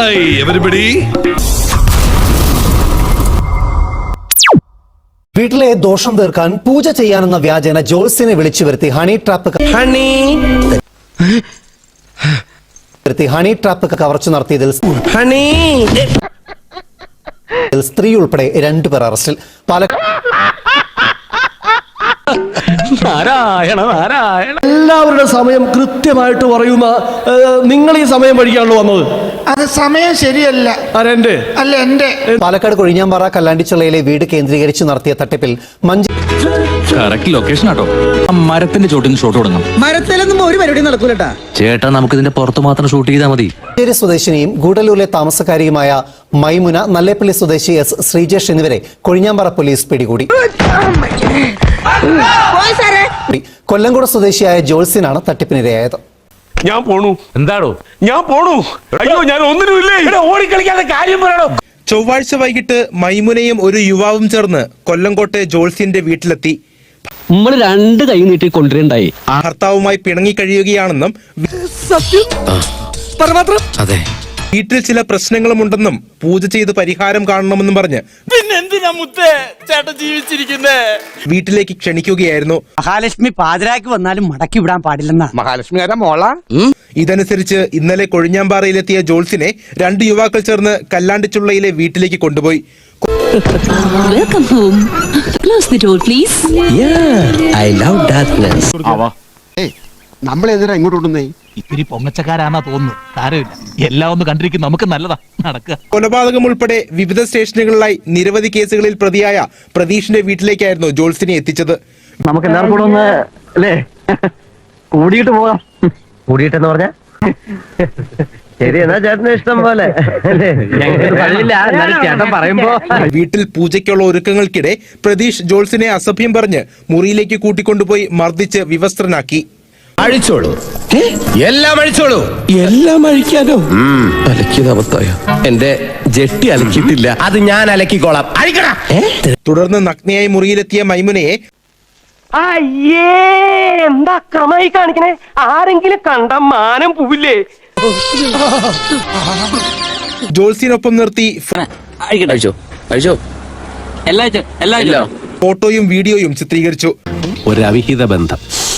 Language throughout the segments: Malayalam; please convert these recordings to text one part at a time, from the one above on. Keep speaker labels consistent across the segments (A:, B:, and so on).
A: Hi, everybody.
B: വീട്ടിലെ ദോഷം തീർക്കാൻ പൂജ ചെയ്യാനെന്ന വ്യാജേന ജോത്സ്യനെ വിളിച്ചു വരുത്തി ഹണി ട്രാപ്പ് കവർച്ച നടത്തിയതിൽ സ്ത്രീ ഉൾപ്പെടെ 2 പേർ അറസ്റ്റിൽ.
C: എല്ലാവരുടെ സമയം കൃത്യമായിട്ട് പറയുന്ന നിങ്ങൾ ഈ സമയം പഠിക്കാണല്ലോ വന്നത്.
D: അത് സമയം ശരിയല്ല. അല്ല എന്റെ.
B: പാലക്കാട് കൊഴിഞ്ഞാമ്പാറ കല്ലാണ്ടിച്ചുള്ളയിലെ വീട് കേന്ദ്രീകരിച്ച് നടത്തിയ തട്ടിപ്പിൽ
E: ലൊക്കേഷൻ ആട്ടോ. മരത്തിന്റെ ചോട്ടിൽ ഷോട്ട് തുടങ്ങാം.
D: മരത്തിലൊന്നും ഒരു പരിപാടി നടക്കൂലട്ടാ
E: ചേട്ടാ, നമുക്ക് ഇതിന്റെ പുറത്ത് മാത്രം ഷൂട്ട് ചെയ്താൽ മതി.
B: മഞ്ചേരി സ്വദേശിനിയും ഗൂഡല്ലൂരിലെ താമസക്കാരിയുമായ മൈമുന, നല്ലേപ്പള്ളി സ്വദേശി എസ് ശ്രീജേഷ് എന്നിവരെ കൊഴിഞ്ഞാമ്പാറ പോലീസ് പിടികൂടി. കൊല്ലംകോട് സ്വദേശിയായ ജോത്സ്യനാണ് തട്ടിപ്പിനിരയായത്.
F: ഞാൻ പോണു.
E: എന്താടോ?
F: ഞാൻ പോണു. അയ്യോ, ഞാൻ ഒന്നിനുമില്ലേ.
E: ഓടിക്കളിക്കാതെ കാര്യം പറയണോ.
G: ചൊവ്വാഴ്ച വൈകിട്ട് മൈമുനയും ഒരു യുവാവും ചേർന്ന് കൊല്ലംകോട്ടെ ജോൾസ്യന്റെ വീട്ടിലെത്തി.
C: നമ്മൾ 2 കൈ നീട്ടി കൊണ്ടുവരണ്ടായി.
G: ഭർത്താവുമായി പിണങ്ങി കഴിയുകയാണെന്നും
E: അതെ,
G: വീട്ടിൽ ചില പ്രശ്നങ്ങളുമുണ്ടെന്നും പൂജ ചെയ്ത് പരിഹാരം കാണണമെന്നും പറഞ്ഞ്
F: പിന്നെന്തിനാ മുത്തേ ചേട്ടൻ ജീവിച്ചിരിക്കുന്നേ?
G: വീട്ടിലേക്ക് ക്ഷണിക്കുകയായിരുന്നു.
D: മഹാലക്ഷ്മി പാതിരാക്ക് വന്നാലും മടക്കി വിടാൻ പാടില്ലെന്നാ.
F: മഹാലക്ഷ്മി ആരാ മോള?
G: ഇതനുസരിച്ച് ഇന്നലെ കൊഴിഞ്ഞാമ്പാറയിലെത്തിയ ജോൾസിനെ 2 യുവാക്കൾ ചേർന്ന് കല്ലാണ്ടിച്ചുള്ളയിലെ വീട്ടിലേക്ക് കൊണ്ടുപോയി.
H: Welcome home. Close the door, please.
C: Yeah, I love darkness.
D: നമ്മളെതിരാ ഇങ്ങോട്ട് കൊണ്ടുവന്നേ.
I: ഇത്തിരി പൊങ്ങച്ചക്കാരാന്നാ തോന്നുന്നു. സാരമില്ല, എല്ലാം ഒന്ന് കണ്ടിരിക്കും. നമുക്ക് നല്ലതാ നടക്കുക.
G: കൊലപാതകം ഉൾപ്പെടെ വിവിധ സ്റ്റേഷനുകളിലായി നിരവധി കേസുകളിൽ പ്രതിയായ പ്രതീഷിന്റെ വീട്ടിലേക്കായിരുന്നു ജോൾസിനെ എത്തിച്ചത്.
C: നമുക്ക് എല്ലാവർക്കും കൂടെ ഒന്ന് അല്ലേ കൂടിയിട്ട് പോകാം. കൂടിയിട്ടെന്ന് പറഞ്ഞ ശരി, എന്നാ ചേട്ടന് ഇഷ്ടം പോലെ. ചേട്ടൻ പറയുമ്പോ
G: വീട്ടിൽ പൂജയ്ക്കുള്ള ഒരുക്കങ്ങൾക്കിടെ പ്രതീഷ് ജോൾസിനെ അസഭ്യം പറഞ്ഞ് മുറിയിലേക്ക് കൂട്ടിക്കൊണ്ടുപോയി മർദ്ദിച്ച് വിവസ്ത്രനാക്കി.
J: അഴിച്ചോളൂ, എല്ലാം അഴിച്ചോളൂ. എല്ലാം അഴിക്കാനോ? അലക്കിയത് അബദ്ധായ. എന്റെ ജെട്ടി അലക്കിയിട്ടില്ല, അത് ഞാൻ അലക്കിക്കോളാം. അഴിക്കടാ.
G: തുടർന്ന് നഗ്നയായി മുറിയിലെത്തിയ മൈമുനയെ
C: എന്താ ക്രമായി കാണിക്കണേ? ആരെങ്കിലും കണ്ട മാനം പോവില്ലേ?
G: ജോൾസിനൊപ്പം നിർത്തി
E: അഴിച്ചോ അഴിച്ചോ എല്ലാം
G: ഫോട്ടോയും വീഡിയോയും ചിത്രീകരിച്ചു.
J: ഒരവിഹിത ബന്ധം.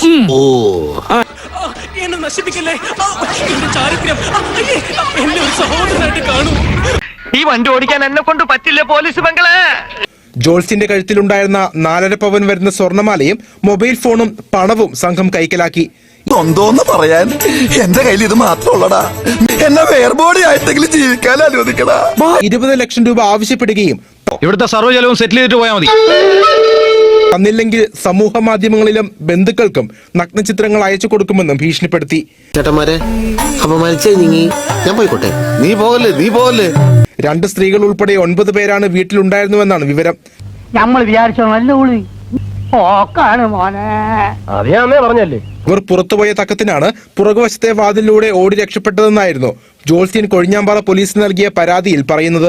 I: എന്നെ നശിപ്പിക്കല്ലേ. ചാരിത്രം എന്നെ ഒരു സഹോദരനായിട്ട് കാണൂ.
C: ഈ വണ്ടി ഓടിക്കാൻ എന്നെ കൊണ്ട് പറ്റില്ല പോലീസ് ബംഗളെ.
G: ജോൾസിന്റെ കഴുത്തിലുണ്ടായിരുന്ന 4.5 പവൻ വരുന്ന സ്വർണമാലയും മൊബൈൽ ഫോണും പണവും സംഘം കൈക്കലാക്കി.
J: എന്തോന്ന് പറയാൻ, എന്റെ കയ്യിൽ ഇത് മാത്രമുള്ളടാ. എന്നെ വേർബോഡി ആയിട്ടെങ്കിലും ജീവിക്കാൻ അനുവദിക്കടാ.
G: 20 ലക്ഷം രൂപ ആവശ്യപ്പെടുകയും
E: ഇവിടുത്തെ സർവ്വ ചെലവും സെറ്റിൽ ചെയ്തിട്ട് പോയാൽ മതി.
G: തന്നില്ലെങ്കിൽ സമൂഹ മാധ്യമങ്ങളിലും ബന്ധുക്കൾക്കും നഗ്നചിത്രങ്ങൾ അയച്ചു കൊടുക്കുമെന്നും ഭീഷണിപ്പെടുത്തി.
J: ചേട്ടന്മാരെ ഞാൻ പോയിക്കോട്ടെ. നീ പോകല്ലേ.
G: 2 സ്ത്രീകൾ ഉൾപ്പെടെ 9 പേരാണ് വീട്ടിലുണ്ടായിരുന്നുവെന്നാണ് വിവരം.
D: നമ്മൾ വിചാരിച്ചോ നല്ല ഉള്ളി ഓക്കാണ് മോനെ.
C: അറിയാന്നേ പറഞ്ഞല്ലേ.
G: ഇവർ പുറത്തുപോയ തക്കത്തിനാണ് പുറകുവശത്തെ വാതിലിലൂടെ ഓടി രക്ഷപ്പെട്ടതെന്നായിരുന്നു ജോൾസ്യൻ കൊഴിഞ്ഞാമ്പാറ പോലീസിന് നൽകിയ പരാതിയിൽ പറയുന്നത്.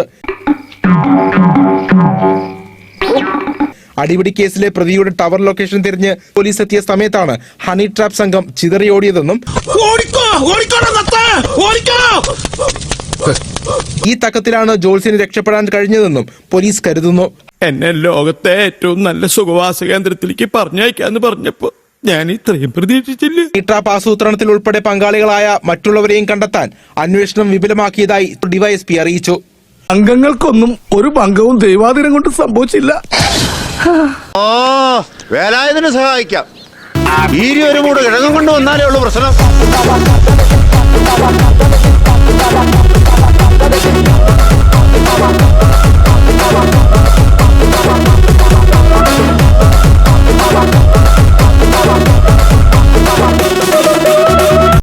G: അടിപിടി കേസിലെ പ്രതിയുടെ ടവർ ലൊക്കേഷൻ തിരിഞ്ഞ് പോലീസ് എത്തിയ സമയത്താണ് ഹണി ട്രാപ്പ് സംഘം ചിതറിയോടിയതെന്നും ഈ തക്കത്തിലാണ് ജോൾസിന് രക്ഷപ്പെടാൻ കഴിഞ്ഞതെന്നും പോലീസ് കരുതുന്നു.
A: എന്നെ ലോകത്തെ ഏറ്റവും നല്ല സുഖവാസ കേന്ദ്രത്തിലേക്ക് പറഞ്ഞയക്കാന്ന് പറഞ്ഞപ്പോ ഞാൻ ഇത്രയും പ്രതീക്ഷിച്ചില്ല.
G: ഈ ട്രാപ്പ് ആസൂത്രണത്തിൽ ഉൾപ്പെടെ പങ്കാളികളായ മറ്റുള്ളവരെയും കണ്ടെത്താൻ അന്വേഷണം വിപുലമാക്കിയതായി ഡിവൈഎസ്പി അറിയിച്ചു.
A: അംഗങ്ങൾക്കൊന്നും ഒരു ഭംഗവും ദൈവാധീനം കൊണ്ട് സംഭവിച്ചില്ല.
J: വേലായുധനെ സഹായിക്കാം. ഈ ഒരു മൂട് കിഴങ്ങും കൊണ്ട് വന്നാലേ ഉള്ളൂ പ്രശ്നം.